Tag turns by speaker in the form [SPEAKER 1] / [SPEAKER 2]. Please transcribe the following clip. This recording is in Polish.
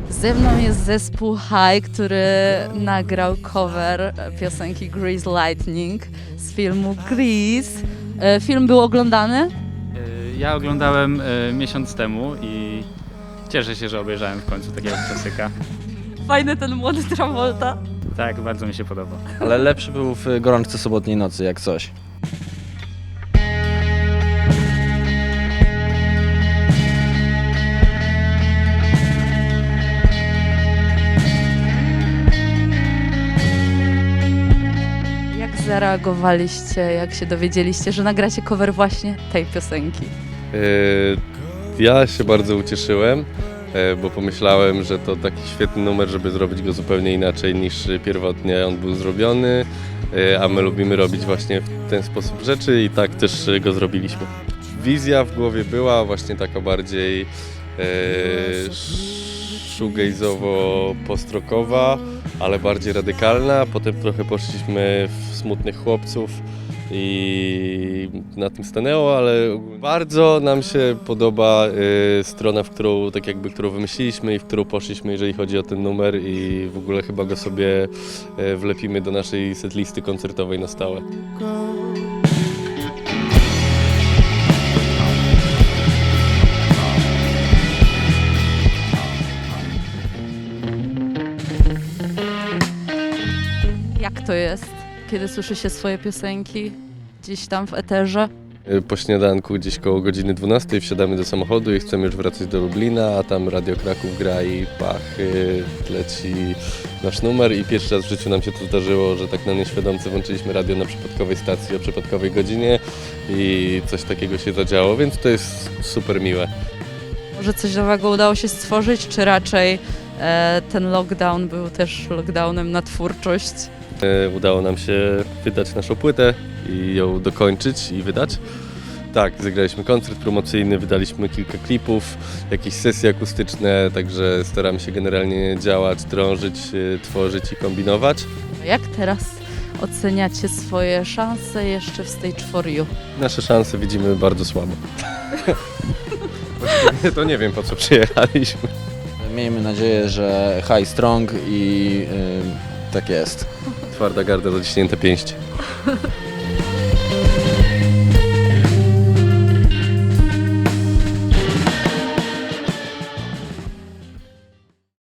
[SPEAKER 1] Ze mną jest zespół High, który nagrał cover piosenki Grease Lightning z filmu Grease. Film był oglądany?
[SPEAKER 2] Ja oglądałem miesiąc temu i cieszę się, że obejrzałem w końcu takiego klasyka.
[SPEAKER 1] Fajny ten młody Travolta.
[SPEAKER 2] Tak, bardzo mi się podoba.
[SPEAKER 3] Ale lepszy był w Gorączce sobotniej nocy, jak coś.
[SPEAKER 1] Jak zareagowaliście, jak się dowiedzieliście, że nagracie cover właśnie tej piosenki?
[SPEAKER 4] Ja się bardzo ucieszyłem, bo pomyślałem, że to taki świetny numer, żeby zrobić go zupełnie inaczej niż pierwotnie on był zrobiony, a my lubimy robić właśnie w ten sposób rzeczy i tak też go zrobiliśmy. Wizja w głowie była właśnie taka bardziej shoegaze'owo-postrokowa, ale bardziej radykalna. Potem trochę poszliśmy w Smutnych Chłopców i na tym stanęło, ale bardzo nam się podoba strona, którą wymyśliliśmy i w którą poszliśmy, jeżeli chodzi o ten numer i w ogóle chyba go sobie wlepimy do naszej setlisty koncertowej na stałe.
[SPEAKER 1] Jak to jest, kiedy słyszy się swoje piosenki gdzieś tam w eterze?
[SPEAKER 4] Po śniadanku gdzieś koło godziny 12 wsiadamy do samochodu i chcemy już wracać do Lublina, a tam Radio Kraków gra i pach, leci nasz numer i pierwszy raz w życiu nam się to zdarzyło, że tak na nieświadomce włączyliśmy radio na przypadkowej stacji o przypadkowej godzinie i coś takiego się zadziało, więc to jest super miłe.
[SPEAKER 1] Może coś nowego udało się stworzyć, czy raczej ten lockdown był też lockdownem na twórczość?
[SPEAKER 4] Udało nam się wydać naszą płytę i ją dokończyć i wydać. Tak, zagraliśmy koncert promocyjny, wydaliśmy kilka klipów, jakieś sesje akustyczne, także staramy się generalnie działać, drążyć, tworzyć i kombinować.
[SPEAKER 1] Jak teraz oceniacie swoje szanse jeszcze w Stage for You?
[SPEAKER 4] Nasze szanse widzimy bardzo słabo. Właściwie to nie wiem, po co przyjechaliśmy.
[SPEAKER 3] Miejmy nadzieję, że high strong i tak jest.
[SPEAKER 4] Twarda garda, zaciśnięte pięści.